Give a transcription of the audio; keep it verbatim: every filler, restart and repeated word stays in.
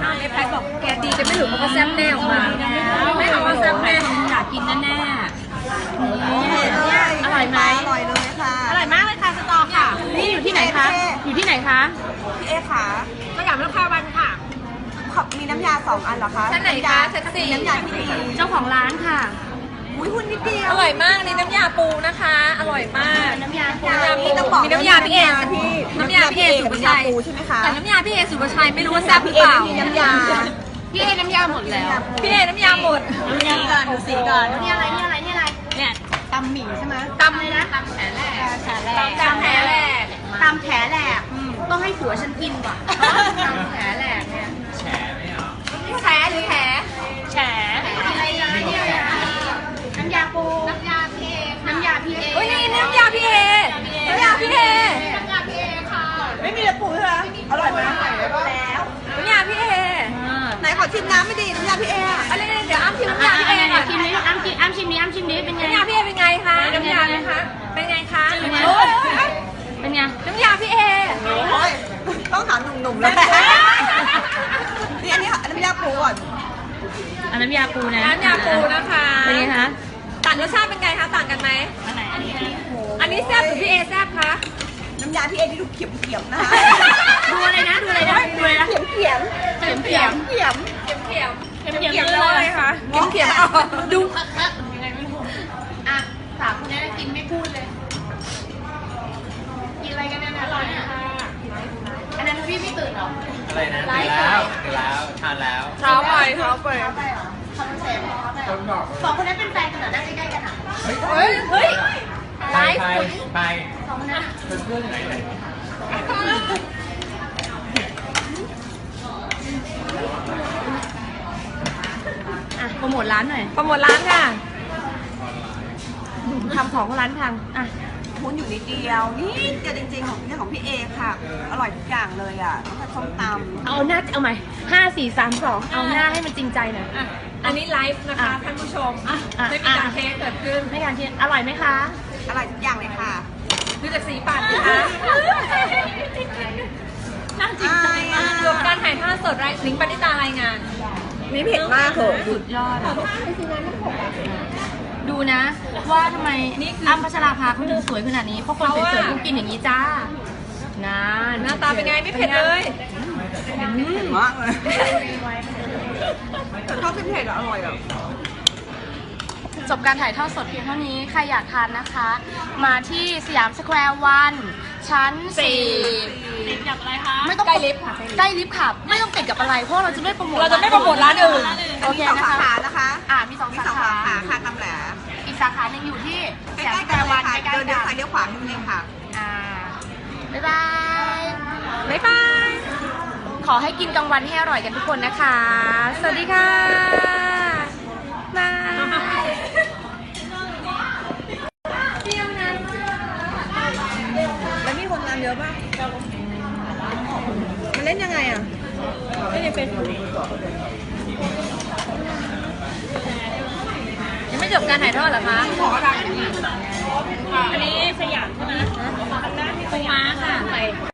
แม่แพทบอกแกดีจะไม่หลุดมันก็แซ่บแน่ออกมาไม่เอาว่าแซ่บแน่อยากกินแน่ๆอร่อยไหมอร่อยเลยค่ะอร่อยมากเลยค่ะสตอค่ะนี่อยู่ที่ไหนคะอยู่ที่ไหนคะพี่เอค่ะสยามราคาวันค่ะขอบมีน้ำยาสองอันเหรอคะชั้นไหนคะชั้นสี่น้ำยาที่ดีเจ้าของร้านค่ะอุ้ยหุ้นนิดเดียวอร่อยมากนี่น้ำยาปูนะคะ อร่อยมากน้ำยาปูน้ำยาปูต้องบอกมีน้ำยาพี่เอพี่น้ำยาพี่เอสุภาชัยน้ำยาปูใช่ไหมคะแต่น้ำยาพี่เอสุภาชัยไม่รู้ว่าแซ่บหรือเปล่าพี่เอมีน้ำยาพี่เอน้ำยาหมดแล้ว พี่เอน้ำยาหมดน้ำยาก่อนดูสีก่อนนี่อะไรนี่อะไรนี่อะไรเนี่ยตำหมี่ใช่ไหมตำเลยนะตำแผลแหลกแฉแหลกตำแผลแหลกตำแฉแหลกต้องให้ผัวฉันกินว่ะตำแผลแหลกเนี่ยแฉไม่เอาแฉหรือแผลแฉอะไรนะเนี่ยน้ำยาปูน้ำยาพี่เอน้ำยาพี่เอโอ้ยนี่น้ำยาพี่เอน้ำยาพี่เอน้ำยาพี่เอค่ะไม่มีแต่ปูใช่ไหมอร่อยไหมแล้วน้ำยาพี่เอไหนขอชิมน้ำไม่ดีน้ำยาพี่เออะอะไรเนี่ยเดี๋ยวอ้ำชิมน้ำยาพี่เอก่อนชิมนี้อ้ำชิมอ้ำชิมนี้อ้ำชิมนี้เป็นไงน้ำยาพี่เอเป็นไงคะน้ำยาเลยคะเป็นไงคะโอ้ยเป็นไงน้ำยาพี่เอโอ้ยต้องถามหนุ่มๆแล้วแหละนี่อันนี้น้ำยาปูก่อนอันน้ำยาปูนะน้ำยาปูนะคะเป็นไงคะต่างรสชาติเป็นไงคะต่างกันไหมอันไหนอันนี้นะอันนี้แซ่บหรือพี่เอแซ่บคะน้ำยาพี่เอที่ดูเขียมๆนะคะดูอะไรนะดูอะไรนะดูอะไรนะเขียมเขียมเข็มเข็มเขียมเข็มเข็มเข็มเข็มเข็มแล้วอะไรคะเข็มเข็มเอาดูยังไงไม่รู้อ่ะสามคนนี้กินไม่พูดเลย กินอะไรกันเนี่ยอร่อยอ่ะอันนั้นพี่ไม่ตื่นหรออะไรนะตื่นแล้วตื่นแล้วทานแล้วเท้าไปเท้าไปสองคนนั้นเป็นแฟนกันเหรอนั่งใกล้ๆกันอ่ะเฮ้ยเฮ้ยไปไปไปสองคนนั้นเพื่อนๆไหนไหนอ่ะโปรโมทร้านหน่อยโปรโมทร้านค่ะทำของร้านพังอ่ะหุ้นอยู่นิดเดียวนี่เดียวจริงๆของนี่ของพี่เอค่ะ อร่อยทุกอย่างเลยอ่ะตั้งแต่ส้มตำเอาหน้าเอาใหม่ห้าสี่สามสองเอาหน้าให้มันจริงใจหน่อยอ่ะอันนี้ไลฟ์นะคะอ่ะท่านผู้ชมอ่ะอ่ะไม่มีการเทสเกิดขึ้นไม่การที่อร่อยไหมคะอร่อยทุกอย่างเลยค่ะดูจากสีปากนะคะน่าจริงใจอ่ะจบการถ่ายทอดสดรายลิงก์ปณิตารายงานนี่เผ็ดมากเหรอสุดยอดอะดูนะ ว่าทำไมอ้ำพัชราภาเขาถึงสวยขนาดนี้เพราะคนสวยๆเขากินอย่างนี้จ้า นานหน้าตาเป็นไงไม่เผ็ดเลยเผ็ดมากเลยแต่ชอบเผ็ดๆอะอร่อยอ่ะจบการถ่ายทอดสดเพียงเท่านี้ ใครอยากทานนะคะ มาที่สยามสแควร์วันชั้นสี่ติดกับอะไรคะไม่ต้องใกล้ลิฟต์ค่ะใกล้ลิฟต์ค่ะ ไม่ต้องติดกับอะไร เพราะเราจะไม่โปรโมทเราจะไม่โปรโมทร้านอื่นโอเคมีสองนะสาคะขานะคะอ่ามีสองมีสาสองขาสาขาค่ะตำแหลอีกสาขาหนึ่งอยู่ที่สใกยามล้สๆแคกันร์เลวัยนค่ะใกล้เดินๆเลี้ยวกัซ้าน ยเลี้ยวขวานิดนึงค่ะอ่าบ๊ายบายบ๊ายบายขอให้กินกลางวันให้อร่อยกันทุกคนนะคะ สวัสดีค่ะบายแล้วมีคนงานเยอะป่ะมันเล่นยังไงอ่ะไม่ยังเป็นยังไม่จบการถ่ายทอดเหรอคะขออะไรอันนี้สยามใช่ไหมปูม้าค่ะ